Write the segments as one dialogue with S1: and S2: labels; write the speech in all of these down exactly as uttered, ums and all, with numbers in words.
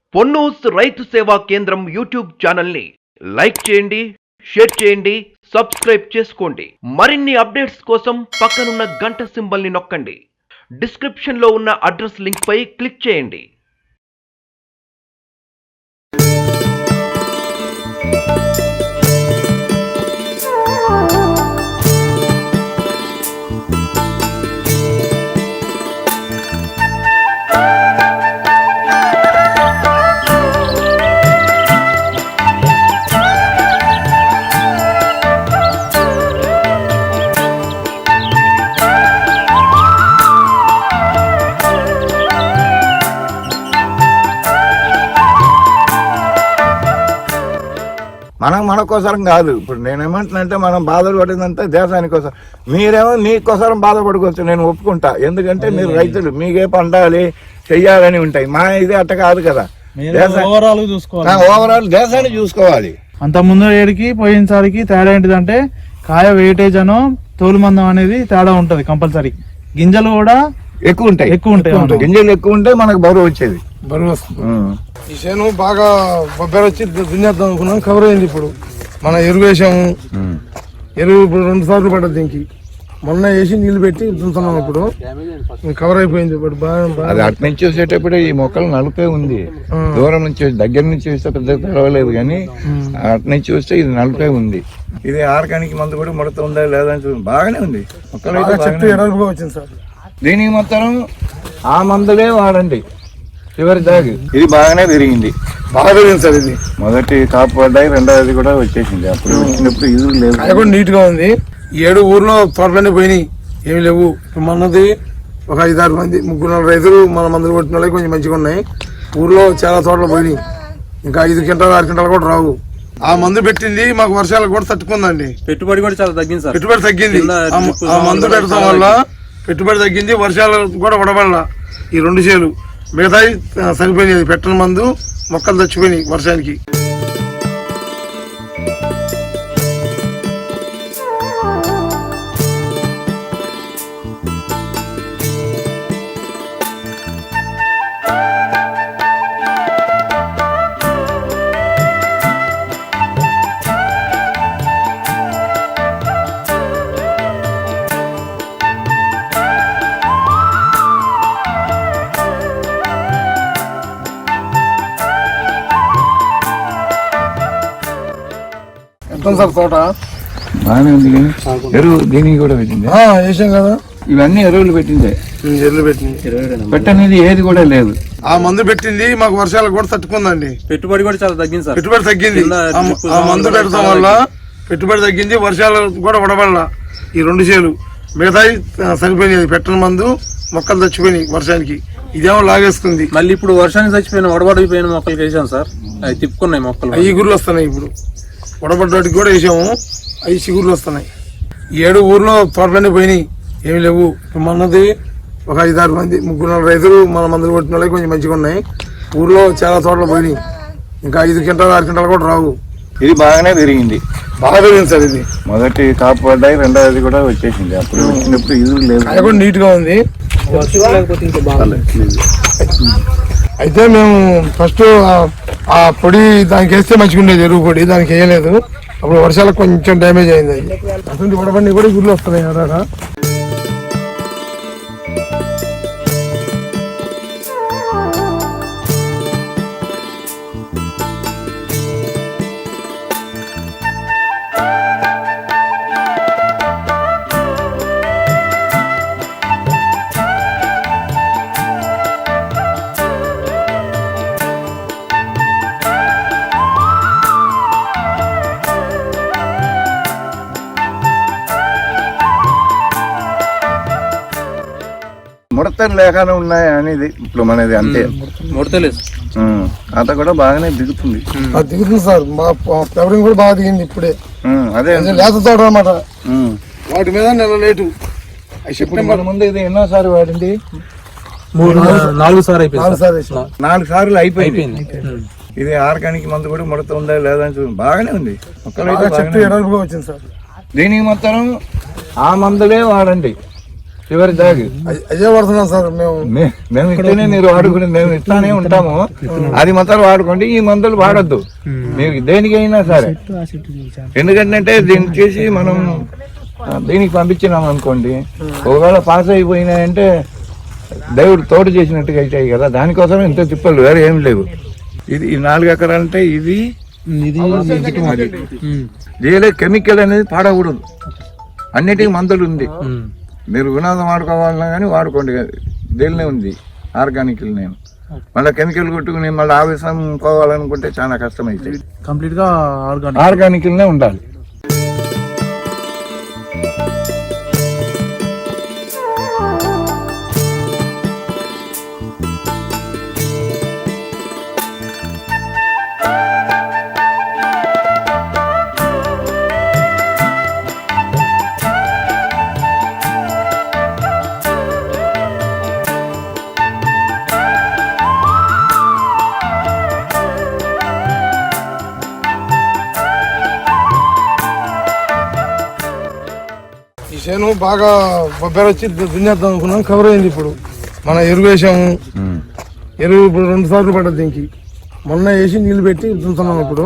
S1: పొన్నూస్ రైతు సేవా కేంద్రం యూట్యూబ్ ఛానల్ ని లైక్ చేయండి, షేర్ చేయండి, సబ్స్క్రైబ్ చేసుకోండి. మరిన్ని అప్డేట్స్ కోసం పక్కనున్న గంట సింబల్ ని నొక్కండి. డిస్క్రిప్షన్ లో ఉన్న అడ్రస్ లింక్ పై క్లిక్ చేయండి.
S2: మనం మన కోసరం కాదు. ఇప్పుడు నేనేమంటున్నానంటే మనం బాధలు పడిందంటే దేశానికి కోసం. మీరేమో మీకోసం బాధపడుకోవచ్చు, నేను ఒప్పుకుంటా. ఎందుకంటే మీరు రైతులు, మీకే పండాలి చెయ్యాలని ఉంటాయి. మా ఇది అట్ట కాదు కదా. ఓవరాల్ దేశాన్ని చూసుకోవాలి.
S3: అంత ముందు ఏడికి పోయినసారికి తేడా ఏంటిదంటే కాయ వెయిటేజ్ అనో తోలు మందం అనేది తేడా ఉంటది. కంపల్సరీ గింజలు కూడా
S2: ఎక్కువ ఉంటాయి
S3: ఎక్కువ ఉంటాయి
S2: గింజలు ఎక్కువ ఉంటే మనకు బరువు వచ్చేది.
S4: బరువు వస్తుంది. ఈ చేను బాగా బొబ్బెర వచ్చి దున్నేద్దాం అనుకున్నాం, కవర్ అయింది. ఇప్పుడు మన ఎరువు వేసాము. ఎరువు ఇప్పుడు రెండు సార్లు పడ్డది దీనికి. మొన్న వేసి నీళ్లు పెట్టి దున్నుతున్నాం. ఇప్పుడు కవర్ అయిపోయింది. ఇప్పుడు బాగా
S2: అది అటు నుంచి చూసేటప్పుడు ఈ మొక్కలు నలుపే ఉంది. దూరం నుంచి దగ్గర నుంచి చూస్తే పెద్ద తెలవలేదు, కానీ అటు నుంచి చూస్తే ఇది నలుపే ఉంది. ఇది ఆర్గానిక్ మందు కూడా ముడత ఉందా లేదా అని చూడండి, బాగానే ఉంది. మొక్కలు
S4: చెట్టు ఎడల్పుగా వచ్చింది సార్.
S2: దీనికి మొత్తం ఆ మందులే వాడండి చివరి దాగి. ఇది బాగానే పెరిగింది,
S4: బాగా పెరిగింది సార్. ఇది
S2: మొదటి కాపు పడ్డాయి, రెండవది కూడా వచ్చేసింది. అప్పుడు వచ్చినప్పుడు ఇది లేదు,
S4: అది కూడా నీట్ గా ఉంది. ఏడు ఊర్లో తోటలన్నీ పోయినాయి, ఏమి లేవు. మనది ఒక ఐదారు మంది ముగ్గురు నాలుగు రైతులు మన మందులు కొట్టిన వాళ్ళకి కొంచెం మంచిగా ఉన్నాయి. ఊర్లో చాలా తోటలు పోయినాయి. ఇంకా ఐదు క్వింటాలు ఆరు క్వింటాలు కూడా రావు. ఆ మందు పెట్టింది మాకు వర్షాలకు కూడా తట్టుకుందండి.
S5: పెట్టుబడి కూడా చాలా తగ్గింది సార్.
S4: పెట్టుబడి తగ్గింది. ఆ మందు పెట్టడం వల్ల పెట్టుబడి తగ్గింది, వర్షాలు కూడా పడబడాల. ఈ రెండు చేలు మిగతాయి సరిపోయినాయి. పెట్టని మందు మొక్కలు చచ్చిపోయినాయి వర్షానికి. సార్ తోట
S2: బాగానే ఉంది, కానీ ఎరువు దీనికి కూడా పెట్టింది.
S4: వేసాం కదా,
S2: ఇవన్నీ ఎరువులు పెట్టిందే.
S4: ఎరువులు పెట్టింది,
S2: పెట్టనేది ఏది కూడా లేదు.
S4: ఆ మందు పెట్టింది మాకు వర్షాలకు కూడా తట్టుకుందండి.
S5: పెట్టుబడి కూడా చాలా తగ్గింది సార్.
S4: పెట్టుబడి తగ్గింది. ఆ మందు పెట్టడం వల్ల పెట్టుబడి తగ్గింది, వర్షాలు కూడా పడబడాల. ఈ రెండు చేలు మిగతాయి సరిపోయినాయి. పెట్టని మందు మొక్కలు చచ్చిపోయినాయి వర్షానికి. ఇదేమో లాగేస్తుంది.
S5: మళ్ళీ ఇప్పుడు వర్షానికి చచ్చిపోయిన వడబడిపోయిన మొక్కలు వేసాం సార్. అవి తిప్పుకున్నాయి మొక్కలు.
S4: అవి గుర్లు వస్తున్నాయి. ఇప్పుడు వడబడ్డానికి కూడా వేసాము, అవి చిగుర్లు వస్తున్నాయి. ఏడు ఊర్లో తోటలన్నీ పోయినాయి, ఏమి లేవు. మనది ఒక ఐదారు మంది ముగ్గురు నాలుగు రైతులు మన మందులు కొట్టిన వాళ్ళకి కొంచెం మంచిగా ఉన్నాయి. ఊర్లో చాలా తోటలు పోయినాయి. ఇంకా ఐదు క్వింటాలు ఆరు క్వింటాలు కూడా రావు.
S2: ఇది బాగానే పెరిగింది,
S4: బాగా పెరిగింది సార్. ఇది
S2: మొదటి కాపు పడ్డాయి, రెండవది కూడా వచ్చేసింది. అప్పుడు వచ్చినప్పుడు ఇది లేదు,
S4: అది కూడా నీట్ గా ఉంది. అయితే మేము ఫస్ట్ ఆ పొడి దానికి వేస్తే మంచిగా ఉండేది, ఎరువు పొడి. దానికి వేయలేదు, అప్పుడు వర్షాలకు కొంచెం డ్యామేజ్ అయింది. అది అటువంటి వడబండి కూడా గుర్లు వస్తున్నాయి కదా.
S2: ముడతలు లేకుండా ఉన్నాయి అనేది ఇప్పుడు మనది అంతే.
S5: ముడతలేదు,
S2: అత కూడా బాగానే దిగుతుంది.
S4: దిగుతుంది సార్. మా ఫ్లవరింగ్ కూడా బాగా దిగింది ఇప్పుడే.
S2: అదే
S4: లేత తోట అన్నమాట. వాటి మీద నెల లేటు.
S2: సెప్టెంబర్ ముందు ఇది ఎన్నోసారి వాడింది?
S5: నాలుగు సార్లు అయిపోయింది.
S2: నాలుగు సార్లు అయిపోయింది. ఇది ఆర్గానిక్ మందు కూడా ముడత ఉందా లేదా అని చూడండి, బాగానే ఉంది.
S4: చెట్టు ఎడల్పుగా వచ్చింది సార్.
S2: దీనికి మొత్తం ఆ మందులే వాడండి చివరి దాగి
S4: అదే పడుతున్నాం సార్ మేము
S2: మే- మేము ఇస్తేనే మీరు వాడుకుని మేము ఇస్తానే ఉంటాము. అది మాత్రం వాడుకోండి, ఈ మందులు వాడద్దు మీకు దేనికైనా సరే. ఎందుకంటే దీన్ని చేసి మనం ఆ, దీనికి పంపించినాం అనుకోండి, ఒకవేళ పాస్ అయిపోయినాయంటే దేవుడు తోడు చేసినట్టుగా అవుతాయి కదా. దానికోసం ఇంత తిప్పలు, వేరే ఏం లేవు. ఇది ఈ నాలుగు ఎకరాలంటే ఇది దీనిలో కెమికల్ అనేది పాడకూడదు. అన్నిటికీ మందులు ఉంది. మీరు వినోదం వాడుకోవాలన్నా కానీ వాడుకోండి, దీనినే ఉంది ఆర్గానిక్. నేను మళ్ళీ కెమికల్ కొట్టుకుని మళ్ళీ ఆవేశం పోవాలనుకుంటే చాలా కష్టం అవుతుంది.
S3: కంప్లీట్ గా ఆర్గానిక్
S2: ఆర్గానిక్నే ఉండాలి.
S4: ఈ చేను బాగా బొబ్బెర వచ్చి దున్నేద్దాం అనుకున్నాం, కవర్ అయింది. ఇప్పుడు మన ఎరువు వేసాము. ఎరువు ఇప్పుడు రెండు సార్లు పడ్డది దీనికి. మొన్న వేసి నీళ్లు పెట్టి దున్నుతున్నాం. ఇప్పుడు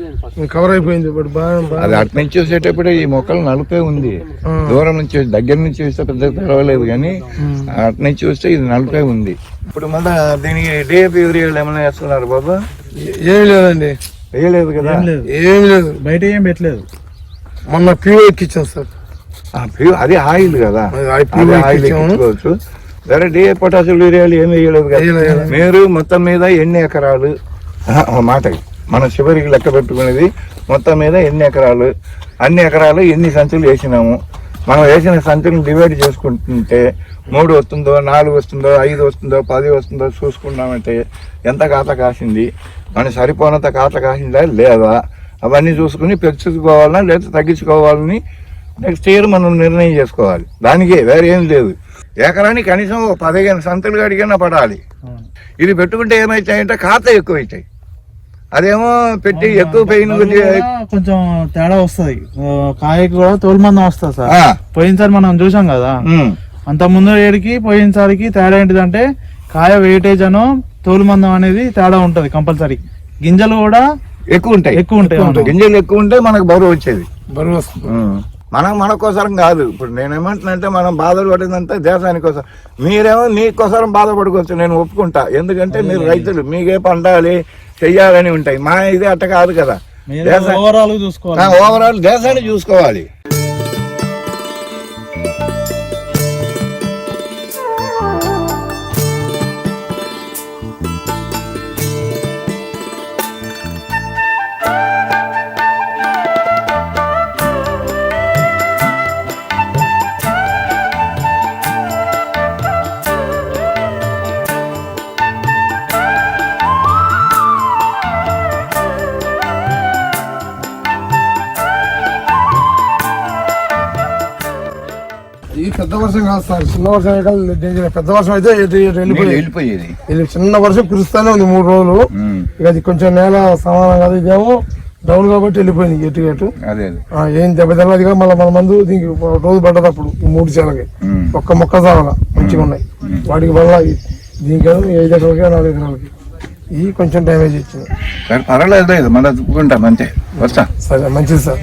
S4: కవర్ అయిపోయింది. ఇప్పుడు బాగా
S2: అది అటు నుంచి చూసేటప్పుడు ఈ మొక్కలు నలుపే ఉంది. దూరం నుంచి దగ్గర నుంచి చూస్తే పెద్ద పర్వాలేదు, కానీ అటు నుంచి చూస్తే ఇది నలుపే ఉంది. ఇప్పుడు మళ్ళీ దీనికి డిఏపి యూరియాలు ఏమైనా వేస్తున్నారు బాబా?
S4: ఏమి లేదండి,
S2: వేయలేదు కదా.
S4: ఏమి లేదు.
S3: బయట ఏం పెట్టలేదు.
S4: మొన్న ప్యూ ఎక్కిచ్చాం సార్.
S2: ఆ ప్యూ- అది ఆయిల్ కదా,
S4: అది
S2: అది ఆయిల్ ఎక్కించుకోవచ్చు. వేరే డిఏ పొటాషియం యూరియాలు ఏమి వేయలేదు కదా. మీరు మొత్తం మీద ఎన్ని ఎకరాలు, ఆహా, ఒక మాట మన చివరికి లెక్క పెట్టుకునేది మొత్తం మీద ఎన్ని ఎకరాలు, అన్ని ఎకరాలు ఎన్ని సంచులు వేసినాము. మనం వేసిన సంచులను డివైడ్ చేసుకుంటుంటే మూడు వస్తుందో, నాలుగు వస్తుందో, ఐదు వస్తుందో, పది వస్తుందో చూసుకున్నామంటే ఎంత ఖాతా కాసింది, మనకి సరిపోనంత ఖాతా కాసిందా లేదా, అవన్నీ చూసుకుని పెంచుకోవాలన్నా లేదా తగ్గించుకోవాలని నెక్స్ట్ ఇయర్ మనం నిర్ణయం చేసుకోవాలి. దానికే వేరే ఏం లేదు. ఎకరానికి కనీసం ఒక పదిహేను సంతులు అడిగినా పడాలి. ఇది పెట్టుకుంటే ఏమవుతాయంటే ఖాతా ఎక్కువ అవుతాయి. అదేమో పెట్టి ఎక్కువ పెయిన్
S3: కొంచెం తేడా వస్తుంది. కాయకి కూడా తోలుమందం వస్తుంది సార్. పోయినసారి మనం చూసాం కదా, అంత ముందు ఏడికి పోయినసారికి తేడా ఏంటిదంటే కాయ వెయిటేజ్ అను తోలుమందం అనేది తేడా ఉంటది. కంపల్సరీ గింజలు కూడా
S2: ఎక్కువ ఉంటాయి.
S3: ఎక్కువ ఉంటాయి.
S2: గింజలు ఎక్కువ ఉంటే మనకు బరువు వచ్చేది.
S4: బరువు వస్తుంది.
S2: మనం మన కోసరం కాదు. ఇప్పుడు నేనేమంటున్నానంటే మనం బాధలు పడిందంటే దేశాని కోసం. మీరేమో నీ కోసరం బాధపడుకోవచ్చు, నేను ఒప్పుకుంటా. ఎందుకంటే మీరు రైతులు, మీకే పండాలి చెయ్యాలని ఉంటాయి. మా ఇది అట్ట కాదు కదా.
S3: ఓవరాల్ చూసుకోవాలి,
S2: ఓవరాల్ దేశాన్ని చూసుకోవాలి.
S4: ఈ పెద్ద వర్షం కాదు సార్, చిన్న వర్షం అయితే డేంజర్. పెద్ద వర్షం అయితే ఎటు ఎటు వెళ్ళిపోయి
S2: వెళ్ళిపోయేది.
S4: ఇది చిన్న వర్షం కురుస్తానే ఉంది మూడు రోజులు. ఇక అది కొంచెం నేల సమానం కాదు, ఇదేమో డౌన్ కాబట్టి వెళ్ళిపోయింది ఎటు ఎటు.
S2: అదే
S4: ఆ, ఏం దెబ్బ తెల్లదిగా మళ్ళీ మన మందు దీనికి ఒక రోజు పడ్డది. అప్పుడు ఈ మూడు చేలకి ఒక్క మొక్క సాగల మంచిగా ఉన్నాయి. వాటికి వల్ల దీనికి ఐదు ఎకరాలకి నాలుగు ఎకరాలకి ఈ కొంచెం డ్యామేజ్ ఇచ్చింది.
S2: సరే పర్వాలేదు, లేదు మళ్ళీ చూసుకుంటాం అంతే. వస్తా.
S4: సరే, మంచిది సార్.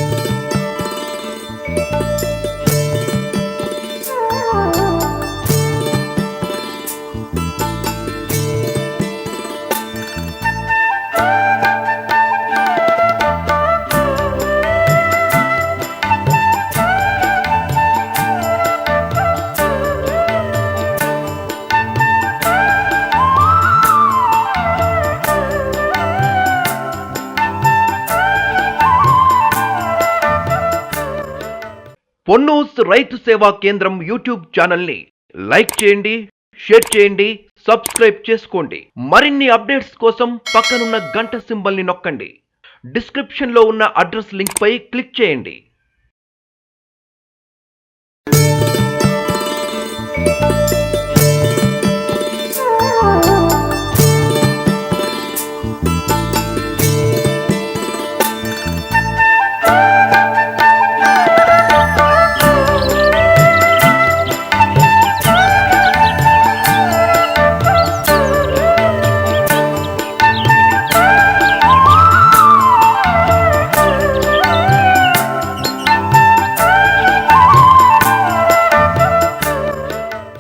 S1: పొన్నూస్ రైతు సేవా కేంద్రం యూట్యూబ్ ఛానల్ ని లైక్ చేయండి, షేర్ చేయండి, సబ్స్క్రైబ్ చేసుకోండి. మరిన్ని అప్డేట్స్ కోసం పక్కనున్న గంట సింబల్ ని నొక్కండి. డిస్క్రిప్షన్ లో ఉన్న అడ్రస్ లింక్ పై క్లిక్ చేయండి.